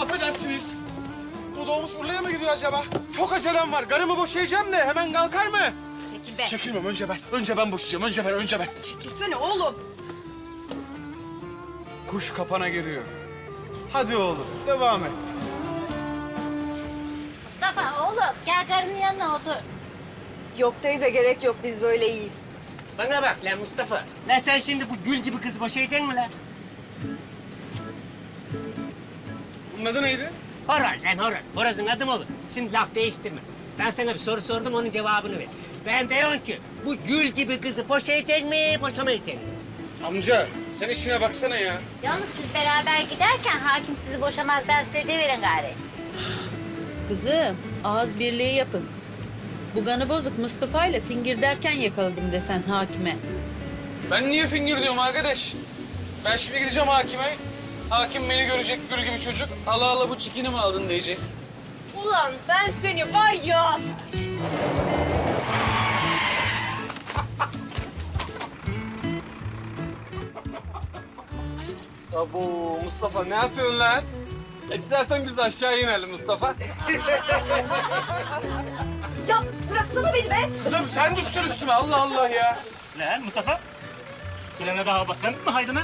affedersiniz. Bu doğmuş Urla'ya mı gidiyor acaba? Çok acelem var. Karımı boşayacağım da hemen kalkar mı? Çekil be. Çekilmem. Önce ben boşayacağım. Önce ben. Çekilsene oğlum. Kuş kapana giriyor. Hadi oğlum, devam et. Mustafa oğlum gel karının yanına otur. Yok teyze gerek yok biz böyle iyiyiz. Bana bak lan Mustafa. Lan sen şimdi bu gül gibi kızı boşayacaksın mı lan? Bunun adı neydi? Horoz lan horoz. Horozun adı mı olur? Şimdi laf değiştirme. Ben sana bir soru sordum, onun cevabını ver. Ben diyorum ki bu gül gibi kızı boşayacak mı, boşamayacak mı? Amca, sen işine baksana ya. Yalnız siz beraber giderken hakim sizi boşamaz. Ben size deyiverin gari. Kızım, ağız birliği yapın. Bu kanı bozuk Mustafa ile fingir derken yakaladım desen hakime. Ben niye fingir diyorum arkadaş? Ben şimdi gideceğim hakime. Hakim beni görecek gül gibi çocuk. Allah Allah bu çikini mi aldın diyecek. Ulan ben seni var ya. Abo Mustafa ne yapıyorsun lan? İstersen biz aşağı inelim Mustafa. Ya bıraksana beni be. Kızım sen düştün üstüme Allah Allah ya. Lan Mustafa, frene daha basan mı haydına?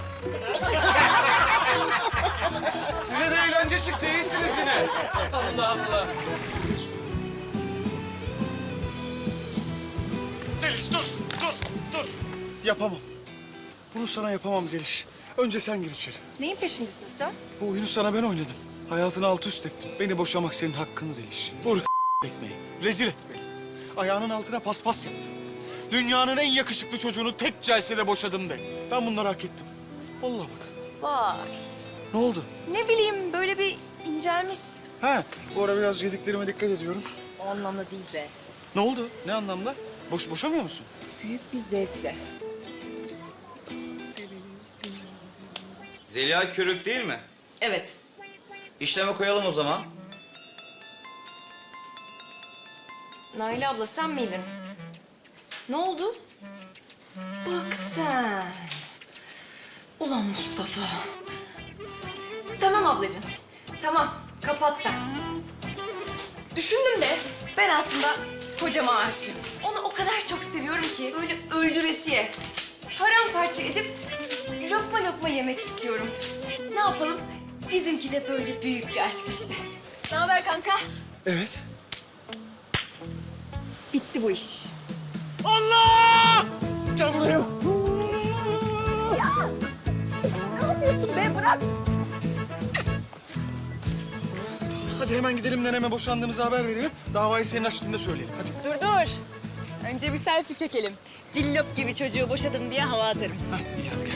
Size de eğlence çıktı iyisiniz yine. Allah Allah. Zeliş dur. Yapamam. Bunu sana yapamam Zeliş. Önce sen gir içeri. Neyin peşindesin sen? Bu oyunu sana ben oynadım. Hayatını alt üst ettim. Beni boşamak senin hakkın Zeliş. Vur ekmeği. Rezil et beni. Ayağının altına paspas yap. Dünyanın en yakışıklı çocuğunu tek celsede boşadım de. Ben bunları hak ettim. Vallahi bak. Vay. Ne oldu? Ne bileyim böyle bir incelmiş. Ha, bu ara biraz yediklerime dikkat ediyorum. O anlamda değil be. Ne oldu? Ne anlamda? Boşamıyor musun? Büyük bir zevkle. Zeliha Körük değil mi? Evet. İşleme koyalım o zaman. Naile abla sen miydin? Ne oldu? Bak sen. Ulan Mustafa. Tamam ablacığım. Tamam. Kapat sen. Düşündüm de ben aslında kocama aşığım. Onu o kadar çok seviyorum ki böyle öldüresiye. Paramparça edip lokma lokma yemek istiyorum. Ne yapalım? Bizimki de böyle büyük bir aşk işte. Ne haber kanka? Evet. Bitti bu iş. Gel buraya. Hadi hemen gidelim neneme boşandığımızı haber verelim. Davayı senin açtığında söyleyelim. Hadi. Dur. Önce bir selfie çekelim. Cillop gibi çocuğu boşadım diye hava atarım. Hah, iyi hadi gel.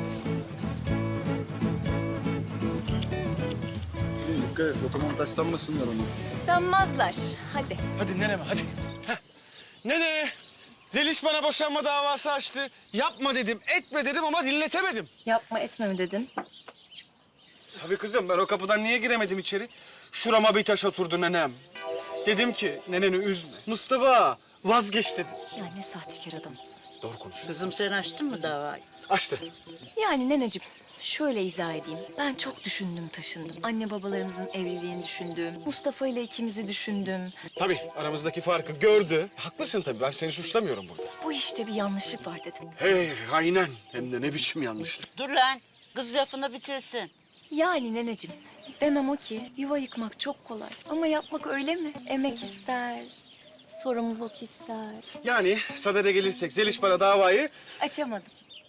Kızım dikkat et, otoman taşlanmasınlar onu. Sanmazlar. Hadi. Hadi neneme, hadi. Heh. Nene, Zeliş bana boşanma davası açtı. Yapma dedim, etme dedim ama dinletemedim. Yapma etme mi dedin? Tabii kızım, ben o kapıdan niye giremedim içeri? Şurama bir taş oturdu nenem. Dedim ki, neneni üzme. Mustafa, vazgeç dedim. Ya ne sahtekar adamsın. Doğru konuş. Kızım sen açtın mı davayı? Açtı. Yani neneciğim, şöyle izah edeyim. Ben çok düşündüm taşındım. Anne babalarımızın evliliğini düşündüm. Mustafa ile ikimizi düşündüm. Tabii, aramızdaki farkı gördü. Haklısın tabii, ben seni suçlamıyorum burada. Bu işte bir yanlışlık var dedim. Hey, aynen. Hem de ne biçim yanlışlık. Dur lan, kız lafını bitirsin. Yani neneciğim, demem o ki yuva yıkmak çok kolay. Ama yapmak öyle mi? Emek ister, sorumluluk ister. Yani sadede gelirsek Zeliş bana davayı... Açamadım.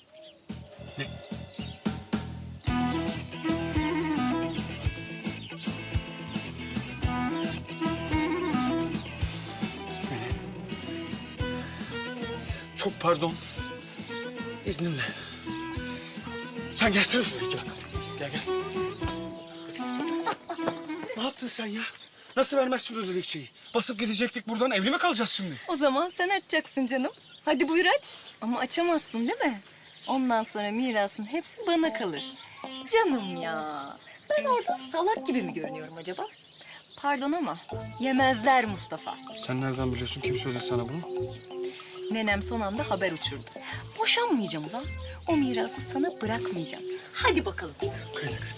Çok pardon. İzninle. Sen gelsene şuraya iki dakika. Gel. Ne yaptın sen ya? Nasıl vermezsin o dilekçeyi? Basıp gidecektik buradan, evli mi kalacağız şimdi? O zaman sen açacaksın canım. Hadi buyur aç. Ama açamazsın değil mi? Ondan sonra mirasın hepsi bana kalır. Canım ya. Ben orada salak gibi mi görünüyorum acaba? Pardon ama yemezler Mustafa. Sen nereden biliyorsun? Kim söyledi sana bunu? Nenem son anda haber uçurdu. Boşanmayacağım ulan. O mirası sana bırakmayacağım. Hadi bakalım bir dur. Kayla kaç.